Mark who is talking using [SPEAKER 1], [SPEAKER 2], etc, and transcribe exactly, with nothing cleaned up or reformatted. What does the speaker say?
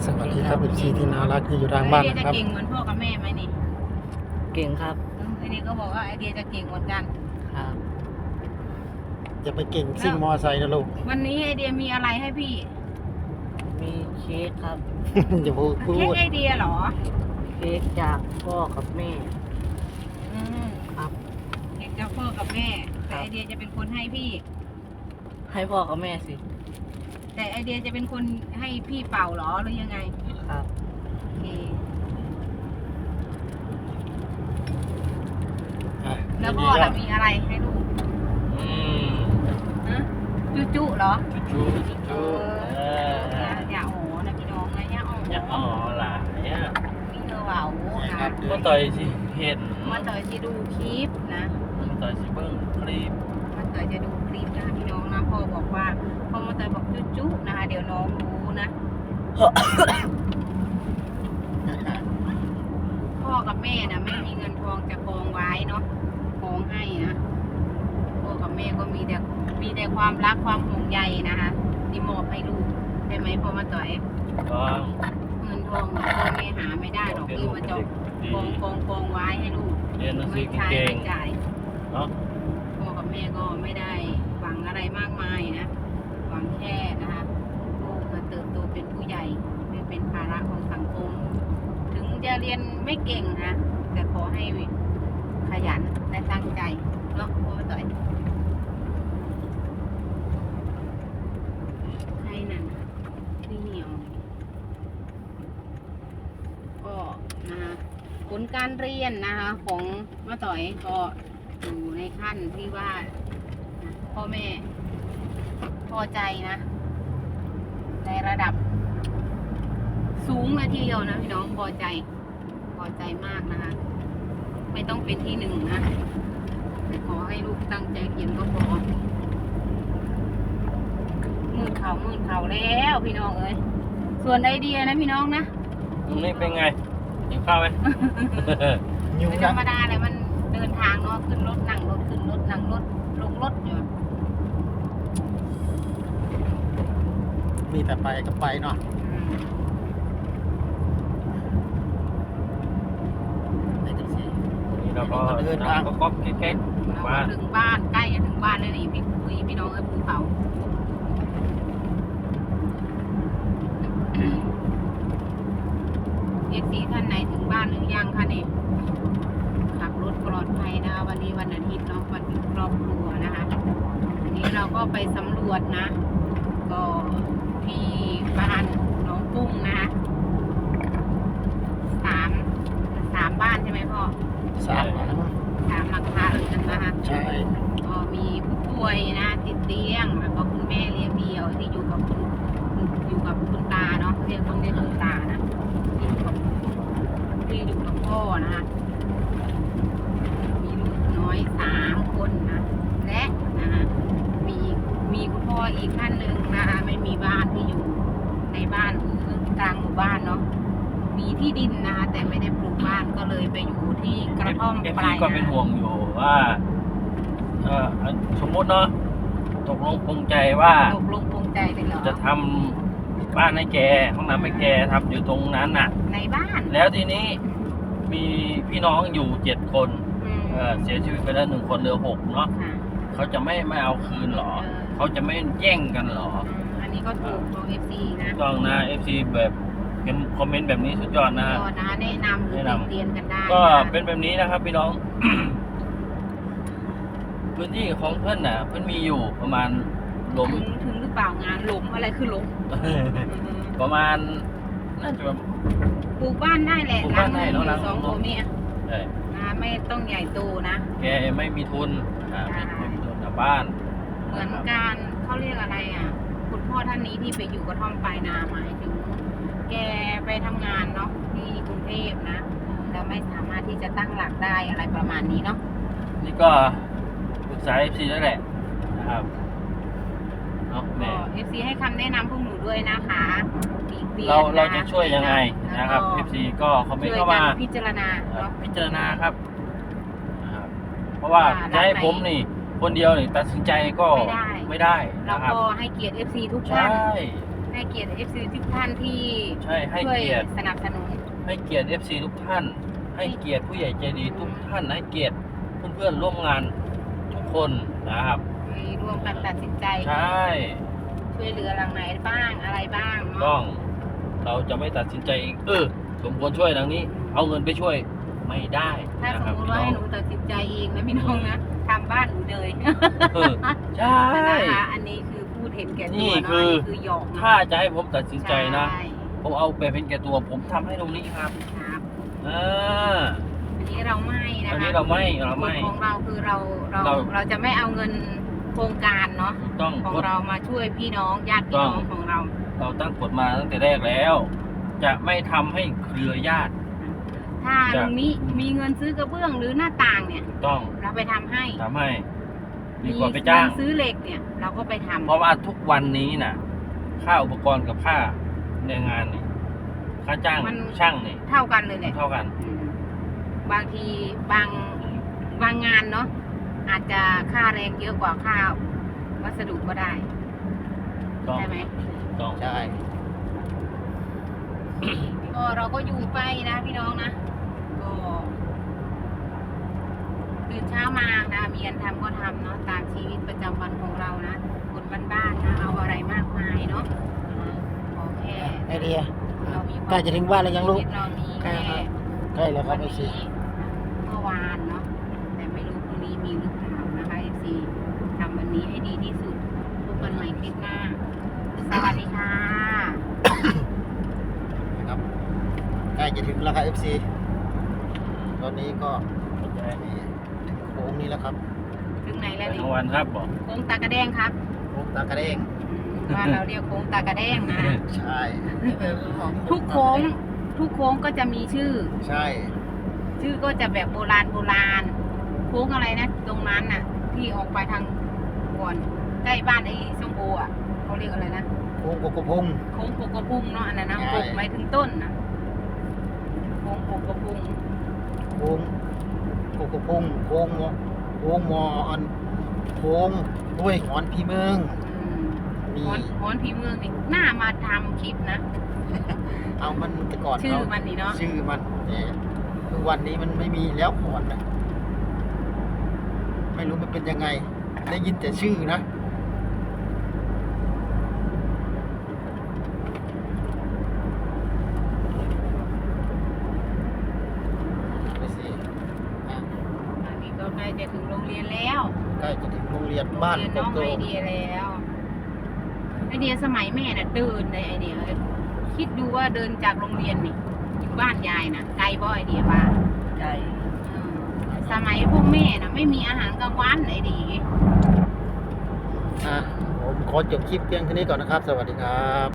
[SPEAKER 1] สวัสดีครับเอฟซีที่น่ารักที่อยู่ทางบ้าน
[SPEAKER 2] ไอเดีย
[SPEAKER 1] นะ
[SPEAKER 2] จะ
[SPEAKER 1] ครับ
[SPEAKER 2] เก่งเหมือนพ่อกับแม่ไหมนี่
[SPEAKER 3] เก่งครับ
[SPEAKER 2] ไอเดียก็บอกว่าไอเดียจะเก่งเหมือนกัน
[SPEAKER 3] ครับ
[SPEAKER 1] อย่าไปเก่งซิ่งมอไซค์นะลูก
[SPEAKER 2] วันนี้ไอเดียมีอะไรให้พี่
[SPEAKER 3] มีเค้กครับ
[SPEAKER 1] อย่าพูดพู
[SPEAKER 2] เค้ก
[SPEAKER 1] ด
[SPEAKER 2] ไอเดียเหรอ
[SPEAKER 3] เค้กจากพ่อกับแม่
[SPEAKER 2] อืม
[SPEAKER 3] ครับ
[SPEAKER 2] เค้กจากพ่อกับแม่แต่ไอเดียจะเป็นคนให้พี่
[SPEAKER 3] ให้พ่อกับแม่สิ
[SPEAKER 2] แต่ไอเดียจะเป็นคนให้พี่เป่าเหรอหรือยังไง
[SPEAKER 3] ครับ
[SPEAKER 2] โอเค
[SPEAKER 1] อ่ะ
[SPEAKER 2] แล้วพ่อล่ะมีอะไรให้ลูก
[SPEAKER 4] อืม
[SPEAKER 2] ฮะจุจุเหรอ
[SPEAKER 4] จูจู
[SPEAKER 2] เอ
[SPEAKER 4] จู
[SPEAKER 2] อ
[SPEAKER 4] เออ
[SPEAKER 2] อย่าอย่าโอ้นะพี่น้องนะอย่าโอ้
[SPEAKER 4] อย่าอ๋อหลายอ่ะ
[SPEAKER 2] มีเธอเบา
[SPEAKER 1] ค
[SPEAKER 2] นะ
[SPEAKER 1] รับ
[SPEAKER 4] ก็ต่อยสิเห็น
[SPEAKER 2] มันต่อยที่ดูคลิปนะ
[SPEAKER 4] ต่อยสิเบิ้งคลิป
[SPEAKER 2] มันเตยจะดูคลิปนะคะพี่น้องนะพ่อบอกว่าพ่อมาเตยบอกจุ๊ๆนะคะเดี๋ยวน้องรู้นะ พ่อกับแม่นะไม่มีเงินทองจะกองไว้เนาะกองให้นะพ่อกับแม่ก็มีแต่มีแต่ความรักความห่วงใยนะคะที่มอบให้ลูกใช่ไหมพ่อมาเตย
[SPEAKER 4] ก็
[SPEAKER 2] เงินทองเนี่ยพ่อแม่หาไม่ได้หรอกที่มาจะกองกองกองไว้ให้ลูก
[SPEAKER 4] เรียนหนังสื
[SPEAKER 2] ไม่
[SPEAKER 4] อ
[SPEAKER 2] ใช้
[SPEAKER 4] เก่ง
[SPEAKER 2] ไม่จ่าย
[SPEAKER 4] เนาะ
[SPEAKER 2] พ่อกับแม่ก็ไม่ได้หวังอะไรมากมายนะหวังแค่นะคะลูกมาเติบโตเป็นผู้ใหญ่ไม่เป็นภาระของสังคม ถึงจะเรียนไม่เก่งนะแต่ขอให้ขยันและตั้งใจเนาะพ่อต่อยให้นั่นที่เหนียวก็นะคะผลการเรียนนะคะของมาต่อยก็อยู่ในขั้นที่ว่าพ่อแม่พอใจนะในระดับสูงเลยทีเดียวนะพี่น้องพอใจพอใจมากนะคะไม่ต้องเป็นที่หนึ่งนะแต่ขอให้ลูกตั้งใจเรียนก็พอมืดเขามืดเขาแล้วพี่น้องเอ้ยส่วนไอเดียนะพี่น้องนะ
[SPEAKER 4] นี่เป็นไงกินข้าวไหม
[SPEAKER 1] ยุ่ง
[SPEAKER 2] ไม่ธร
[SPEAKER 1] นะ
[SPEAKER 2] รมดาเลยมันเดินทางเนาะขึ้นรถนั่งรถขึ้นรถนั่งรถลงรถอยู่
[SPEAKER 1] มีแต่ไปกับไปเนาะ
[SPEAKER 2] ไปดูสิ
[SPEAKER 4] นี่เราก็นั่งก็ก๊อกแก๊ก
[SPEAKER 2] เรา
[SPEAKER 4] ๆว่า
[SPEAKER 2] ก็ถึงบ้านใกล้จะถึงบ้านแล้วนี่พี่คุยพี่น้องเอ้ยภูเขาเอฟซีท่านไหนถึงบ้านหรือยังคะเนี่ยขับรถปลอดภัยนะคะวันนี้วันอาทิตย์เนาะวันหยุดครอบครัวนะคะวันนี้เราก็ไปสำรวจนะ ก็ที่บ้านหนองกุ้งนะคะสามสามบ้านใช่ไหมพ่อ
[SPEAKER 1] สามหลัง
[SPEAKER 2] สามหลังคาเรือนนะคะ
[SPEAKER 1] ใช่
[SPEAKER 2] ก็มีผู้ป่วยนะติดเตียงแล้วก็คุณแม่เลี้ยงเดี่ยวที่อยู่กับคุณอยู่กับคุณตาเนาะเรียกต้องเรียกคุณตานะที่อยู่กับที่อยู่กับพ่อนะคะมีลูกน้อยสามคนนะและนะคะมีมีคุณพ่ออีกท่านหนึ่งนะคะไม่มีบ้านที่อยู่ในบ้านคือกลางหมู่บ้านเนาะมีที่ดินนะคะแต่ไม่ได้ปลูกบ้านก็เลยไปอยู่ที่กระท่อม
[SPEAKER 4] เอฟ
[SPEAKER 2] ป
[SPEAKER 4] ซี
[SPEAKER 2] ลาย
[SPEAKER 4] ก็เป็นห่วงอยู่ว่าเออสมมุติเนาะตกลงปรงใจว่า
[SPEAKER 2] ตกลงปรงใจเลยเหรอ
[SPEAKER 4] จะทำบ้านให้แกห้องน้ำให้แกทำอยู่ตรงนั้นน่ะ
[SPEAKER 2] ในบ้าน
[SPEAKER 4] แล้วทีนี้มีพี่น้องอยู่เจ็ดคน
[SPEAKER 2] อืม
[SPEAKER 4] เอ่อเสียชีวิตไปแล้วหนึ่งคนเหลือหกเนาะ
[SPEAKER 2] ค่ะ
[SPEAKER 4] เขาจะไม่ไม่เอาคืนหรอ
[SPEAKER 2] เออ
[SPEAKER 4] เขาจะไม่แย่งกันหรอ
[SPEAKER 2] อืมอันนี้ก็ถูกของ เอฟ ซี นะ
[SPEAKER 4] ถูกต้องนะเอฟซีแบบเห็นคอมเมนต์แบบนี้สุดยอดนะ
[SPEAKER 2] ก็นะแนะนำหรือ
[SPEAKER 4] แนะ
[SPEAKER 2] ติ
[SPEAKER 4] นำ
[SPEAKER 2] เตียนกันได้
[SPEAKER 4] ก็
[SPEAKER 2] ะ
[SPEAKER 4] เป็นแบบนี้นะครับพี่น้อง พื้นที่ของเพื่อนน่ะเพื่อนมีอยู่ประมาณหลม
[SPEAKER 2] ถึงถึงหรือเปล่างานหลมอะไรคือหลม
[SPEAKER 4] ประมาณน่าจะแบบ
[SPEAKER 2] ปลูกบ้านได้แหละ
[SPEAKER 4] ปลูกบ้านได้เนอะ
[SPEAKER 2] หลังห
[SPEAKER 4] หลั
[SPEAKER 2] นึ่
[SPEAKER 4] ง
[SPEAKER 2] งสองตัวเมีย
[SPEAKER 4] เอ่อ
[SPEAKER 2] นะไม่ต้องใหญ่โตนะ
[SPEAKER 4] แกไม่มีทุนอ่า
[SPEAKER 2] ใช่
[SPEAKER 4] ไม่มีทุนกับบ้าน
[SPEAKER 2] เหมือนการเขาเรียกอะไรอ่ะ คุณพ่อท่านนี้ที่ไปอยู่กระท่อมปลายนาหมายถึง แกไปทำงานเนาะที่กรุงเทพนะแล้วไม่สามารถที่จะตั้งหลักได้อะไรประมาณนี้เนาะ
[SPEAKER 4] นี่ก็ปรึกษาเอฟซีแล้วแหละนะครับเนาะ
[SPEAKER 2] ก็
[SPEAKER 4] แม่
[SPEAKER 2] เอฟซีให้คำแนะนำพวกหนูด้วยนะคะปีกเบียน
[SPEAKER 4] เรา
[SPEAKER 2] น
[SPEAKER 4] เราจะช่วยยังไงนะครับ
[SPEAKER 2] แล้ว
[SPEAKER 4] เอ
[SPEAKER 2] ก็
[SPEAKER 4] ฟซีก็คอมเมนต์
[SPEAKER 2] ช่วย
[SPEAKER 4] เข้า
[SPEAKER 2] กั
[SPEAKER 4] มา
[SPEAKER 2] นพิจารณา
[SPEAKER 4] เอ่อ
[SPEAKER 2] เนาะ
[SPEAKER 4] พิจารณาครับนะครับ เพราะว่า
[SPEAKER 2] ว่า
[SPEAKER 4] จะให้
[SPEAKER 2] ร้านไหน
[SPEAKER 4] ผมนี่ คนเดียวนี่ตัดสินใจก็
[SPEAKER 2] ไม่ได้
[SPEAKER 4] ไม่ได้
[SPEAKER 2] เรา
[SPEAKER 4] นะครับ
[SPEAKER 2] ก็ให้เกียรติ เอฟ ซี ทุก
[SPEAKER 4] ใช่
[SPEAKER 2] ท่านให้เกียรติ เอฟ ซี ทุกท่านที่
[SPEAKER 4] ใช่ให้
[SPEAKER 2] ช่วย
[SPEAKER 4] เกียรติ
[SPEAKER 2] สนับสนุน
[SPEAKER 4] ให้เกียรติ เอฟ ซี ทุกท่าน ให้เกียรติผู้ใหญ่ใจดีทุกท่านให้เกียรติเพื่อนๆร่วมงานทุกคนนะครับ
[SPEAKER 2] มีร่วมกันตัดสินใจ
[SPEAKER 4] ใช่
[SPEAKER 2] ช่วยเหลือหลังไหนบ้างอะไรบ้าง
[SPEAKER 4] ต้
[SPEAKER 2] เนาะ
[SPEAKER 4] องเราจะไม่ตัดสินใจเองเออสมควรช่วยดังนี้ เอาเงินไปช่วยไม่ได้
[SPEAKER 2] ถ้า
[SPEAKER 4] นะ
[SPEAKER 2] ส
[SPEAKER 4] ค
[SPEAKER 2] ม
[SPEAKER 4] รับ
[SPEAKER 2] มติ
[SPEAKER 4] พี่
[SPEAKER 2] ว่า
[SPEAKER 4] น้อ
[SPEAKER 2] ให้
[SPEAKER 4] ง
[SPEAKER 2] หนูตัดสินใจเองนะพี่น้องนะทำบ้านหนูเลย
[SPEAKER 4] เออใช่
[SPEAKER 2] นะคะอันนี้คือพูดเห็นแก่ตัว
[SPEAKER 4] นี่
[SPEAKER 2] เนาะ
[SPEAKER 4] คือ
[SPEAKER 2] นนี้คือหยอกนะ
[SPEAKER 4] ถ้าจะให้ผมตัดสินใจนะ
[SPEAKER 2] ช่
[SPEAKER 4] ผมเอาแบบเป็นแก่ตัวผมทำให้ตรงนี้ครับ
[SPEAKER 2] ครับ
[SPEAKER 4] อ่า
[SPEAKER 2] อันนี้เราไม่นะคะ
[SPEAKER 4] อันนี้เราไม่เราไม่
[SPEAKER 2] กฎของเราคือเราเรา
[SPEAKER 4] เรา
[SPEAKER 2] เราจะไม่เอาเงินโครงการเนาะ
[SPEAKER 4] ต้อง
[SPEAKER 2] ของ
[SPEAKER 4] กด
[SPEAKER 2] เรามาช่วยพี่น้องญาติพี่น้องของเรา
[SPEAKER 4] เราตั้งกฎมาตั้งแต่แรกแล้ว จะไม่ทำให้เครือญาติ
[SPEAKER 2] ถ้า
[SPEAKER 4] จ้ะ
[SPEAKER 2] ลุงนี้มีเงินซื้อกระเบื้องหรือหน้าต่างเนี่ย
[SPEAKER 4] ต้อง
[SPEAKER 2] เราไปทำให้
[SPEAKER 4] ทำให้ดีกว่าไปจ้าง
[SPEAKER 2] เงินซื้อเหล็กเนี่ย เราก็ไปทำ
[SPEAKER 4] เพราะว่าทุกวันนี้น่ะ ค่าอุปกรณ์กับค่าแรงงานนี่ค่าจ้างช่างนี่
[SPEAKER 2] เท่ากันเลยแหละ
[SPEAKER 4] เท่ากัน
[SPEAKER 2] อืมบางทีบางบางงานเนาะอาจจะค่าแรงเยอะกว่าค่าวัสดุก็ได้
[SPEAKER 4] ต้อง
[SPEAKER 2] ใช่ไหม
[SPEAKER 4] ต้อง
[SPEAKER 1] ใช่
[SPEAKER 2] ก็เราก็อยู่ไปนะพี่น้องนะก็ตื่นเช้ามานะมีอันทำก็ทำเนาะตามชีวิตประจำวันของเรานะคนบ้านๆนะเอาอะไรมากมายเนาะขอแค่
[SPEAKER 1] ไอเดีย
[SPEAKER 2] เรามีควม
[SPEAKER 1] ใกล้จะถึงบ้านแล้วยังลูก
[SPEAKER 2] ชีวิตเรามี
[SPEAKER 1] ใกล้
[SPEAKER 2] แค่
[SPEAKER 1] ครับ ใกล้แล้วครั
[SPEAKER 2] วั
[SPEAKER 1] บ
[SPEAKER 2] น
[SPEAKER 1] ไอซี
[SPEAKER 2] นี้เมื่อวานเนาะแต่ไม่รู้พรุ่งนี้มีหรือเปล่านะคะเอฟซีทำวันนี้ให้ดีที่สุดพบกันใหม่คลิปหน้า สวัสดีค่ะ
[SPEAKER 1] นะครับใกล้จะถึงแล้วครับเอฟซีตอนนี้ก็ถึงโค้งนี้แล้วครับ
[SPEAKER 2] ถึงไหน
[SPEAKER 4] ไป
[SPEAKER 2] แล้วนี่
[SPEAKER 4] ทั้งวันครับบอก
[SPEAKER 2] โค้งตากระแดงครับ
[SPEAKER 1] โค้งตากระเด้ง
[SPEAKER 2] บ้านเราเรียกโค้งตากระแดงนะ
[SPEAKER 1] ใช่
[SPEAKER 2] ทุกโค้ง ทุกโค้งก็จะมีชื่อ
[SPEAKER 1] ใช่
[SPEAKER 2] ชื่อก็จะแบบโบราณโบราณ โค้งอะไรนะ ตรงนั้นน่ะ ที่ออกไปทางก่อนใกล้บ้านไอ้ส้มโออ่ะเขาเรียกอะไรนะ
[SPEAKER 1] โค้งโกโกพง
[SPEAKER 2] โค้งโกกระพุงเนาะอันนั้นนะ
[SPEAKER 1] ใช่
[SPEAKER 2] โกกหมายถึงต้นนะโค้งโกกระพุง
[SPEAKER 1] โค้งโกโกพงโค้งมอโค้งมออันโค้งด้วยหอนพี่เมือง
[SPEAKER 2] อืม
[SPEAKER 1] มี
[SPEAKER 2] ฮอนฮอนผีเมืองนี่น่ามาทำคลิปนะ
[SPEAKER 1] เอามันแต่ก่อน
[SPEAKER 2] ชื่อ
[SPEAKER 1] เขา
[SPEAKER 2] มันนี่เนาะ
[SPEAKER 1] ชื่อมันเนี่ยคือวันนี้มันไม่มีแล้วก่อนนะไม่รู้มันเป็นยังไง ได้ยินแต่ชื่อนะไปสิอ่ะ
[SPEAKER 2] อันนี้ก็ใกล้จะถึงโรงเรียนแล้ว
[SPEAKER 1] ใกล้จะถึงโรงเรียนบ้าน
[SPEAKER 2] โรง
[SPEAKER 1] โก
[SPEAKER 2] เรียนน้อง
[SPEAKER 1] โต
[SPEAKER 2] ไอเดียแล้วไอเดียสมัยแม่น่ะเดินเลยไอเดียคิดดูว่าเดินจากโรงเรียนนี่อยู่บ้านยายนะไกลบ่ไอเดียบ้าน
[SPEAKER 3] ไก่
[SPEAKER 2] อืมสมัยพวกแม่น่ะไม่มีอาหารกลางวันไอเดีย
[SPEAKER 1] อ่ะผมขอจบคลิปเพียงเท่านี้ก่อนนะครับ สวัสดีครับ